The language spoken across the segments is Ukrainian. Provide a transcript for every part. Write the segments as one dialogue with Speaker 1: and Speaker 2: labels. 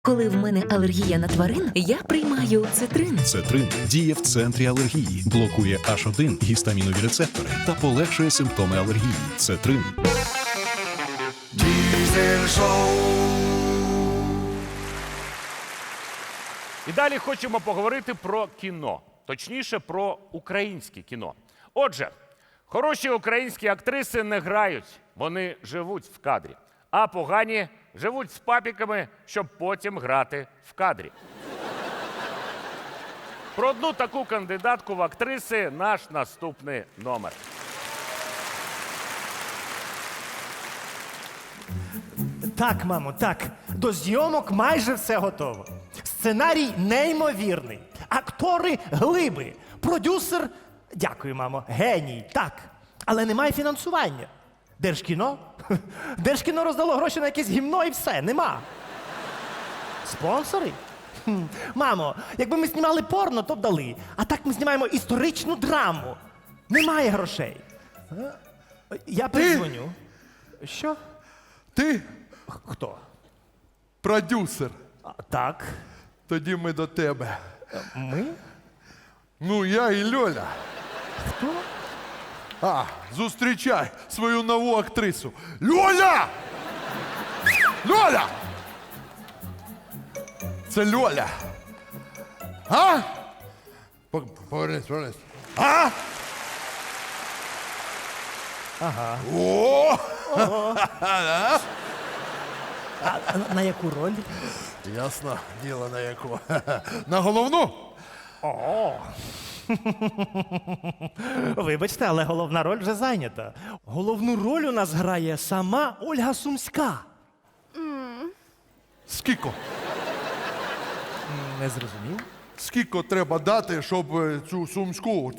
Speaker 1: Коли в мене алергія на тварин, я приймаю цитрин.
Speaker 2: Цетрин діє в центрі алергії, блокує H1 гістамінові рецептори та полегшує симптоми алергії. Цетрин.
Speaker 3: Diesel Show.
Speaker 4: І далі хочемо поговорити про кіно. Точніше, про українське кіно. Отже, хороші українські актриси не грають, вони живуть в кадрі. А погані живуть з папіками, щоб потім грати в кадрі. Про одну таку кандидатку в актриси наш наступний номер.
Speaker 5: Так, мамо, так. До зйомок майже все готово. Сценарій неймовірний. Актори глиби. Продюсер, дякую, мамо, геній, так. Але немає фінансування. Держкіно? Держкіно роздало гроші на якесь гімно і все, нема. Спонсори? Мамо, якби ми знімали порно, то б дали. А так ми знімаємо історичну драму. Немає грошей. Я передзвоню. Що?
Speaker 3: Ти
Speaker 5: Хто?
Speaker 3: продюсер.
Speaker 5: Так.
Speaker 3: Тоді ми до тебе.
Speaker 5: Ми?
Speaker 3: Ну, я і Льоля.
Speaker 5: Хто?
Speaker 3: Зустрічай свою нову актрису. Льоля! Льоля! Це Льоля. Повернись.
Speaker 5: Ага.
Speaker 3: О!
Speaker 5: А на яку роль?
Speaker 3: Ясно, діло на яку. На головну?
Speaker 5: Вибачте, але головна роль вже зайнята. Головну роль у нас грає сама Ольга Сумська.
Speaker 3: Скільки?
Speaker 5: Не зрозумів?
Speaker 3: Скільки треба дати, щоб цю сумську?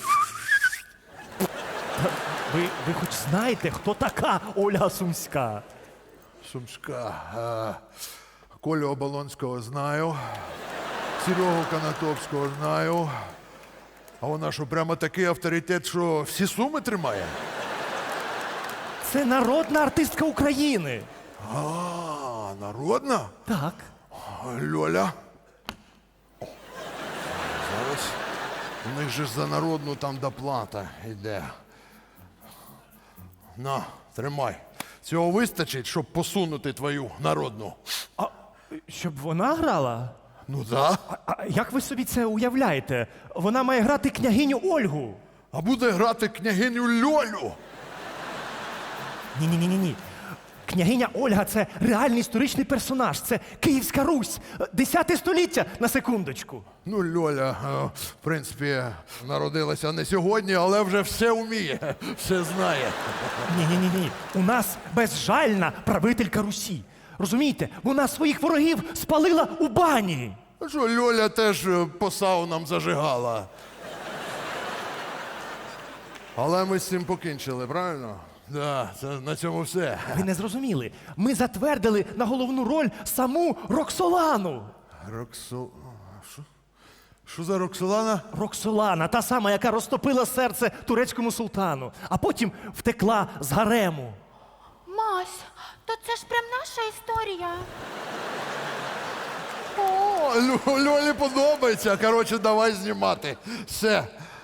Speaker 5: Ви хоч знаєте, хто така Ольга Сумська?
Speaker 3: Сумська. Колю Оболонського знаю. Серегу Канатовського знаю. А вона що, прямо такий авторитет, що всі суми тримає?
Speaker 5: Це народна артистка України.
Speaker 3: Народна?
Speaker 5: Так.
Speaker 3: Льоля. Зараз. У них же ж за народну там доплата йде. На, тримай. Цього вистачить, щоб посунути твою народну.
Speaker 5: А щоб вона грала?
Speaker 3: Ну да.
Speaker 5: А як ви собі це уявляєте? Вона має грати княгиню Ольгу.
Speaker 3: А буде грати княгиню Льолю.
Speaker 5: Ні. Княгиня Ольга – це реальний історичний персонаж. Це Київська Русь. 10 століття, на секундочку.
Speaker 3: Ну, Льоля, в принципі, народилася не сьогодні, але вже все вміє, все знає.
Speaker 5: Ні. У нас безжальна правителька Русі. Розумієте? Вона своїх ворогів спалила у бані.
Speaker 3: А що, Льоля теж по саунам зажигала. Але ми з цим покінчили, правильно? Да, це на цьому все.
Speaker 5: Ви не зрозуміли. Ми затвердили на головну роль саму Роксолану.
Speaker 3: Що за Роксолана?
Speaker 5: Роксолана, та сама, яка розтопила серце турецькому султану, а потім втекла з гарему.
Speaker 6: Мась, то це ж прям наша історія.
Speaker 3: О, Льолі подобається. Коротше, давай знімати. Все.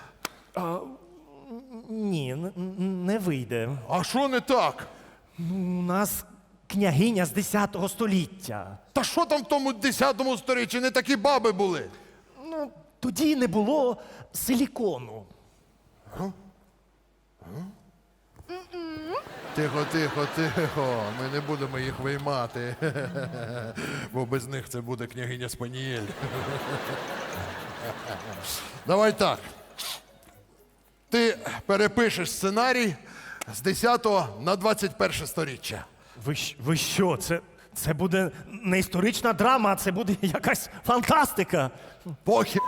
Speaker 5: Ні, не вийде.
Speaker 3: А що не так?
Speaker 5: У нас княгиня з 10 століття.
Speaker 3: Та що там в тому 10-му сторіччі? Не такі баби були.
Speaker 5: Ну, тоді не було силікону.
Speaker 3: Тихо. Ми не будемо їх виймати. Бо без них це буде княгиня Спанієль. Давай так. Ти перепишеш сценарій з 10 на 21 сторіччя.
Speaker 5: Ви що? Це буде не історична драма, а це буде якась фантастика.
Speaker 3: Похід.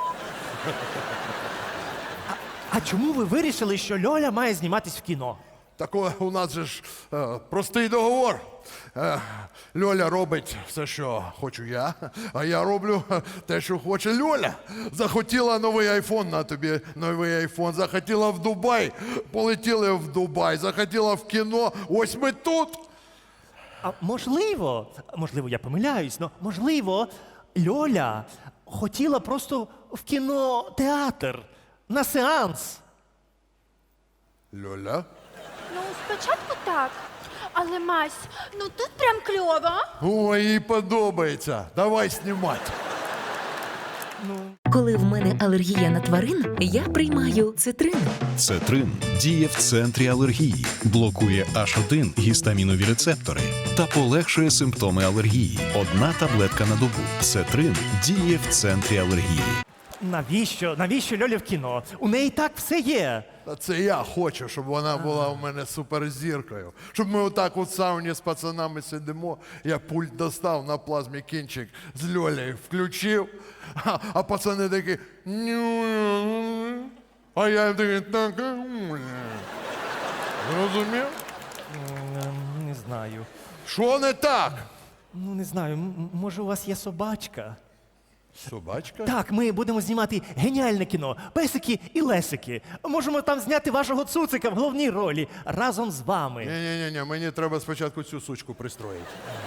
Speaker 5: А чому ви вирішили, що Льоля має зніматись в кіно?
Speaker 3: Такое у нас же ж простий договор. Льоля робить все, що хочу я, а я роблю те, що хоче Льоля. Захотіла новий айфон, на тобі новий айфон. Захотіла в Дубай, полетіли в Дубай. Захотіла в кіно, ось ми тут.
Speaker 5: А можливо, я помиляюсь, але можливо, Льоля хотіла просто в кінотеатр на сеанс.
Speaker 3: Льоля?
Speaker 6: Ну, спочатку так. Але Мась, ну тут прям кльово.
Speaker 3: Ой, їй подобається. Давай знімати.
Speaker 1: Коли в мене алергія на тварин, я приймаю цитрин.
Speaker 2: Цетрин діє в центрі алергії, блокує H1 гістамінові рецептори та полегшує симптоми алергії. Одна таблетка на добу. Цетрин діє в центрі алергії.
Speaker 5: Навіщо Льолі в кіно? У неї так все є.
Speaker 3: Та це я хочу, щоб вона була у мене суперзіркою. Щоб ми отак у сауні з пацанами сидимо, я пульт достав на плазмі кінчик з Льолею включив, а пацани такі. А я їм такий так. Розумів?
Speaker 5: Не знаю.
Speaker 3: Що не так?
Speaker 5: Ну, не знаю, може у вас є собачка?
Speaker 3: Собачка?
Speaker 5: Так, ми будемо знімати геніальне кіно. Песики і лесики. Можемо там зняти вашого цуцика в головній ролі разом з вами.
Speaker 3: Ні, мені треба спочатку цю сучку пристроїти.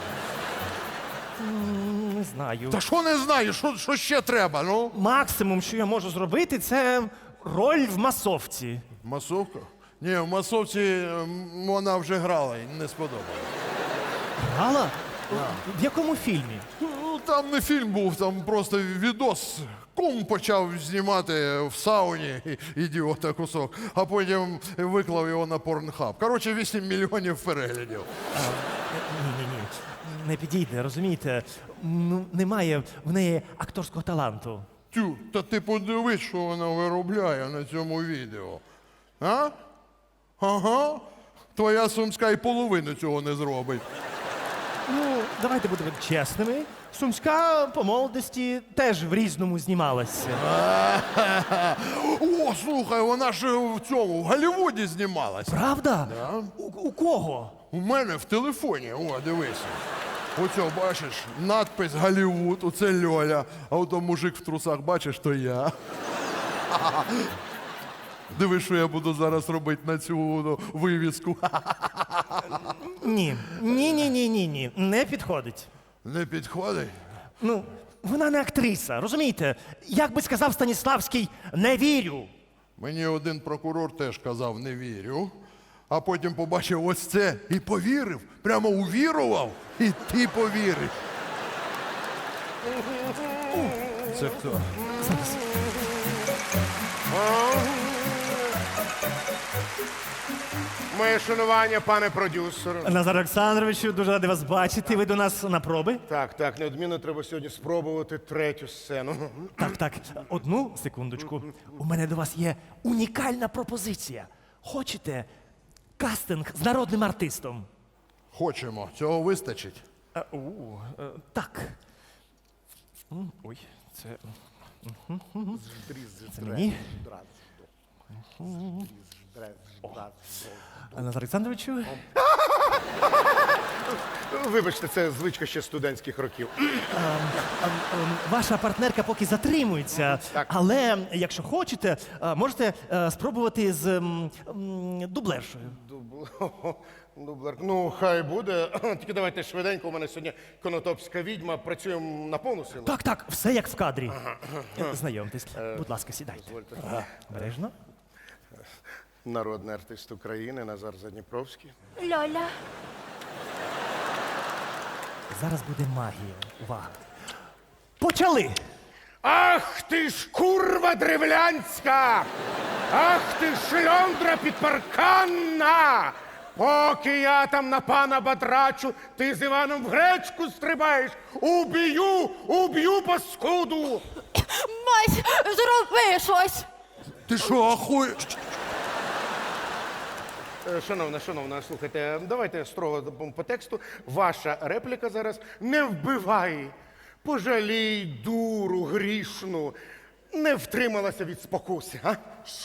Speaker 5: Не знаю.
Speaker 3: Та що не знаю, що ще треба, ну?
Speaker 5: Максимум, що я можу зробити, це роль в масовці.
Speaker 3: Масовка? Ні, в масовці вона вже грала і не сподобалось.
Speaker 5: Гала? В якому фільмі?
Speaker 3: Ну, там не фільм був, там просто відос. Кум почав знімати в сауні, ідіота кусок, а потім виклав його на порнхаб. Коротше, 8 мільйонів переглядів.
Speaker 5: Ні. Не підійде, розумієте? Ну, немає в неї акторського таланту.
Speaker 3: Тю, та ти подивись, що вона виробляє на цьому відео. А? Ага. Твоя Сумська і половину цього не зробить.
Speaker 5: Ну, давайте будемо чесними. Сумська по молодості теж в різному знімалася.
Speaker 3: О, слухай, вона ж в цьому, в Голлівуді знімалась.
Speaker 5: Правда? У кого?
Speaker 3: У мене в телефоні, о, дивися. Оцьо, бачиш, надпис Голлівуд, оце Льоля, а ото мужик в трусах, бачиш, то я. Диви, що я буду зараз робити на цю вивіску.
Speaker 5: Ні, не підходить.
Speaker 3: Не підходить?
Speaker 5: Ну, вона не актриса, розумієте? Як би сказав Станіславський, не вірю.
Speaker 3: Мені один прокурор теж казав, не вірю. А потім побачив ось це і повірив. Прямо увірував, і ти повіриш. Це хто?
Speaker 7: Моє шанування, пане продюсеру.
Speaker 5: Назар Олександровичу, дуже радий вас бачити. Ви до нас на проби?
Speaker 7: Так, неодмінно треба сьогодні спробувати третю сцену.
Speaker 5: Так, одну секундочку. У мене до вас є унікальна пропозиція. Хочете кастинг з народним артистом?
Speaker 3: Хочемо, цього вистачить.
Speaker 5: Так. Ой, це. Це мені. Назар Олександровичу.
Speaker 7: Вибачте, це звичка ще студентських років.
Speaker 5: Ваша партнерка поки затримується,
Speaker 7: Так.
Speaker 5: але якщо хочете, можете спробувати з дублершою.
Speaker 7: Дублер. Ну, хай буде. Тільки давайте швиденько, у мене сьогодні конотопська відьма, працюємо на повну силу.
Speaker 5: Так, все як в кадрі. Знайомтесь. Будь ласка, сідайте. Бережно.
Speaker 7: Народний артист України Назар Задніпровський.
Speaker 6: Льоля.
Speaker 5: Зараз буде магія. Увага. Почали!
Speaker 7: Ах ти ж курва древлянська! Ах ти ж шльондра підпарканна! Поки я там на пана батрачу, ти з Іваном в гречку стрибаєш! Уб'ю паскуду!
Speaker 6: Мась, зроби щось.
Speaker 3: Ти що, ахуєш?
Speaker 7: Шановна, слухайте, давайте строго по тексту. Ваша репліка зараз: не вбивай, пожалій дуру грішну, не втрималася від спокуси, а?
Speaker 6: Що?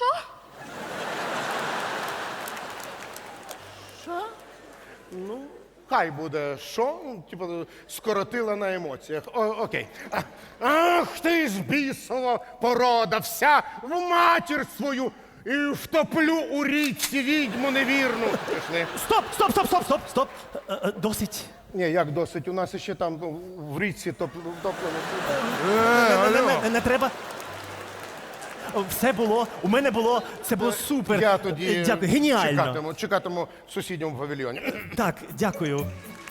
Speaker 6: Що?
Speaker 7: Хай буде що? Типу, скоротила на емоціях. Окей. Ах ти ж бісова порода, вся в матір свою і втоплю у річці відьму невірну. Пішли.
Speaker 5: Стоп! Досить
Speaker 7: Ні, як досить? У нас ще там в річці
Speaker 5: Не треба. Все було, у мене було, це було супер.
Speaker 7: Я тоді
Speaker 5: Дякую, геніально.
Speaker 7: чекатиму в сусідньому павільйоні.
Speaker 5: Так, дякую.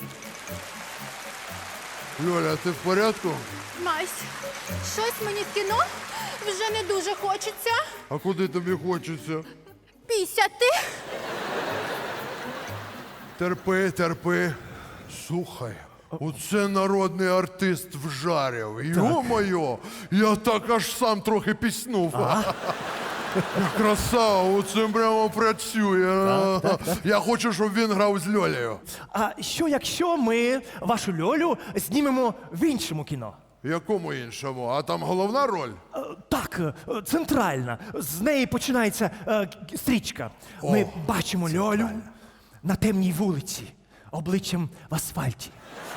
Speaker 3: Льоля, ти в порядку?
Speaker 6: Мась, щось мені в кіно вже не дуже хочеться.
Speaker 3: А куди тобі хочеться?
Speaker 6: Пісяти.
Speaker 3: Терпи, терпи. Слухай, оце народний артист вжарив. Йо-моє, я так аж сам трохи піснув. Красава, оце прямо працює. Я хочу, щоб він грав з Льолею.
Speaker 5: А що якщо ми вашу Льолю знімемо в іншому кіно?
Speaker 3: Якому іншому? А там головна роль?
Speaker 5: Так, центральна. З неї починається стрічка. Ми бачимо Льолю на темній вулиці, обличчям в асфальті.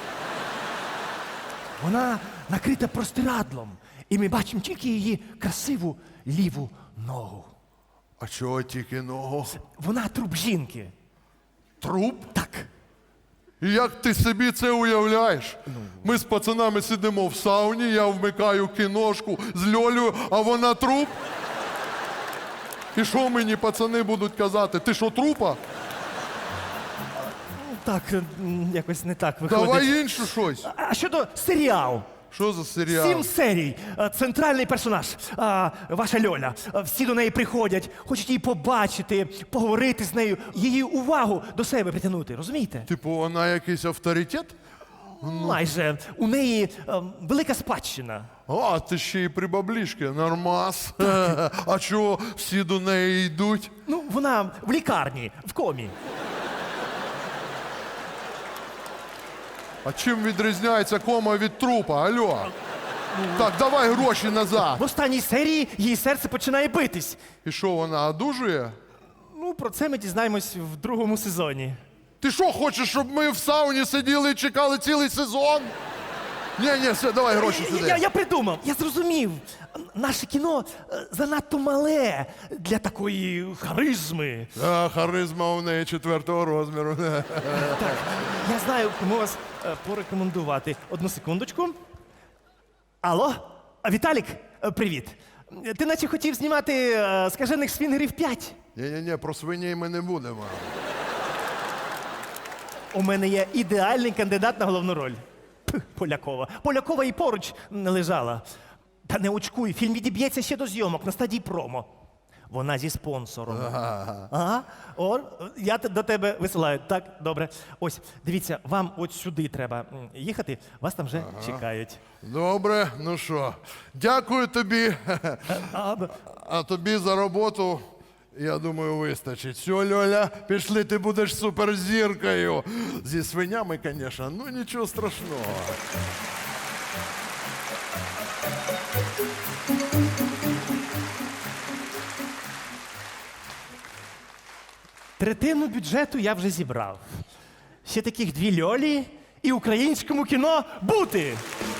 Speaker 5: Вона накрита простирадлом, і ми бачимо тільки її красиву ліву ногу.
Speaker 3: А чого тільки ногу?
Speaker 5: Вона труп жінки.
Speaker 3: Труп?
Speaker 5: Так.
Speaker 3: І як ти собі це уявляєш? Ми з пацанами сидимо в сауні, я вмикаю кіношку з Льолею, а вона труп? І що мені пацани будуть казати? Ти що, трупа?
Speaker 5: Так, якось не так виходить.
Speaker 3: Давай інше щось.
Speaker 5: А щодо серіалу?
Speaker 3: Що за серіал?
Speaker 5: 7 серій. Центральний персонаж, ваша Льоля. Всі до неї приходять, хочуть її побачити, поговорити з нею, її увагу до себе притягнути, розумієте?
Speaker 3: Типу, вона якийсь авторитет?
Speaker 5: Майже. У неї велика спадщина.
Speaker 3: А, ти ще й прибаблішки, нормас. А чого всі до неї йдуть?
Speaker 5: Ну, вона в лікарні, в комі.
Speaker 3: А чим відрізняється кома від трупа, алло? Так, давай гроші назад.
Speaker 5: В останній серії її серце починає битись.
Speaker 3: І що, вона одужує?
Speaker 5: Ну, про це ми дізнаємось в другому сезоні.
Speaker 3: Ти що, хочеш, щоб ми в сауні сиділи і чекали цілий сезон? Ні, все, давай гроші сюди.
Speaker 5: Я придумав, я зрозумів. Наше кіно занадто мале для такої харизми.
Speaker 3: Харизма у неї 4-го розміру.
Speaker 5: Так, я знаю, кому вас порекомендувати. Одну секундочку. Алло, Віталік, привіт. Ти наче хотів знімати «Скажених свінгерів 5».
Speaker 3: Ні, про свиней ми не будемо.
Speaker 5: У мене є ідеальний кандидат на головну роль. Полякова. Полякова і поруч не лежала. Та не очкуй, фільм відіб'ється ще до зйомок на стадії промо. Вона зі спонсором. Ага. О, я до тебе висилаю. Так, добре. Ось, дивіться, вам от сюди треба їхати, вас там вже чекають.
Speaker 3: Добре, ну що, дякую тобі. А тобі за роботу, я думаю, вистачить. Все, Льоля, пішли, ти будеш суперзіркою. Зі свинями, звісно, ну нічого страшного.
Speaker 5: Третину бюджету я вже зібрав. Ще таких 2 Льолі і українському кіно бути.